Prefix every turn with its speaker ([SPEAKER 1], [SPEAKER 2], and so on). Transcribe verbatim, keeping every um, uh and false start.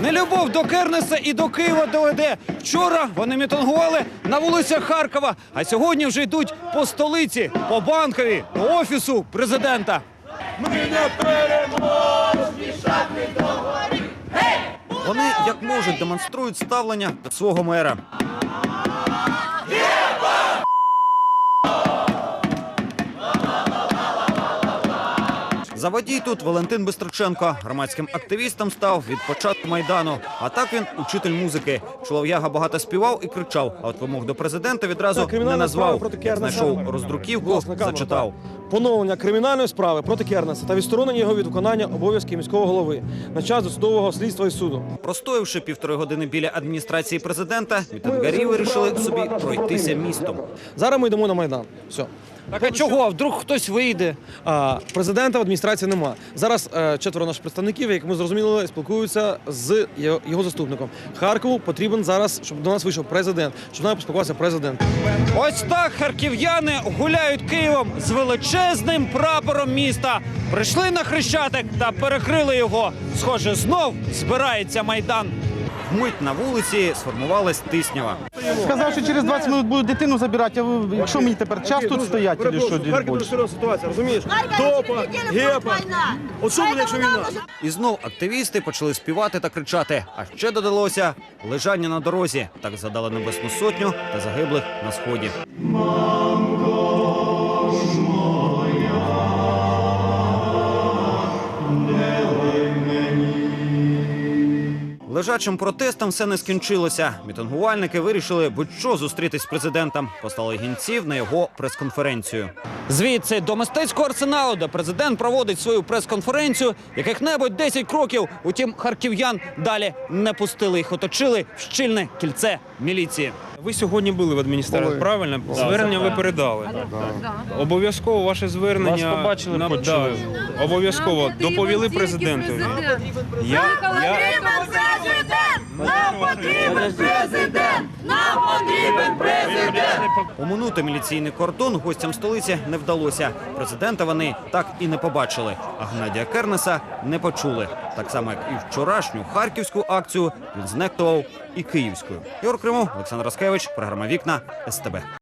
[SPEAKER 1] Нелюбов до Кернеса і до Києва доведе. Вчора вони мітингували на вулицях Харкова, а сьогодні вже йдуть по столиці, по Банковій, до офісу президента.
[SPEAKER 2] Ми не переможні, шахи до горі.
[SPEAKER 1] Вони, як можуть, демонструють ставлення до свого мера. Заводій тут Валентин Бистриченко. Громадським активістом став від початку Майдану. А так він учитель музики. Чолов'яга багато співав і кричав, а от вимог до президента відразу не назвав. Як знайшов роздруківку, зачитав.
[SPEAKER 3] Поновлення кримінальної справи проти Кернеса та відсторонення його від виконання обов'язків міського голови на час досудового слідства і суду.
[SPEAKER 1] Простоявши півтори години біля адміністрації президента, мітингарі вирішили собі пройтися містом.
[SPEAKER 3] Зараз ми йдемо на Майдан. Все.
[SPEAKER 1] Так а чого? Вдруг хтось вийде?
[SPEAKER 3] А, президента в адміністрації нема. Зараз е, четверо наших представників, як ми зрозуміли, спілкуються з його, його заступником. Харкову потрібен зараз, щоб до нас вийшов президент, щоб нам поспілкувався президент.
[SPEAKER 1] Ось так харків'яни гуляють Києвом з величезним прапором міста. Прийшли на Хрещатик та перекрили його. Схоже, знов збирається Майдан. Вмить на вулиці сформувалась тиснява.
[SPEAKER 4] Сказав, що через двадцять хвилин буду дитину забирати, а ви, якщо мені тепер час тут стояти, чи що?
[SPEAKER 3] Харків дуже серйозна ситуація, розумієш? Топа, гепа. От що буде, якщо війна?
[SPEAKER 1] І знов активісти почали співати та кричати. А ще додалося лежання на дорозі. Так згадали Небесну Сотню та загиблих на Сході. Лежачим протестом все не скінчилося. Мітингувальники вирішили будь-що зустрітись з президентом. Послали гінців на його прес-конференцію. Звідси до мистецького арсеналу, де президент проводить свою прес-конференцію, яких-небудь десять кроків. Утім, харків'ян далі не пустили. Їх оточили в щільне кільце міліції.
[SPEAKER 5] Ви сьогодні були в адміністрації, правильно? Звернення ви передали. Обов'язково ваше звернення...
[SPEAKER 6] Вас побачили,
[SPEAKER 5] на-
[SPEAKER 6] почули.
[SPEAKER 5] да, обов'язково доповіли президентові. Я, я...
[SPEAKER 2] Нам потрібен президент! Нам потрібен президент!
[SPEAKER 1] Оминути міліційний кордон гостям столиці не вдалося. Президента вони так і не побачили. А Геннадія Кернеса не почули. Так само, як і вчорашню харківську акцію він знехтував і київською. Ігор Кримов, Олександр Раскевич, програма «Вікна», ес те бе.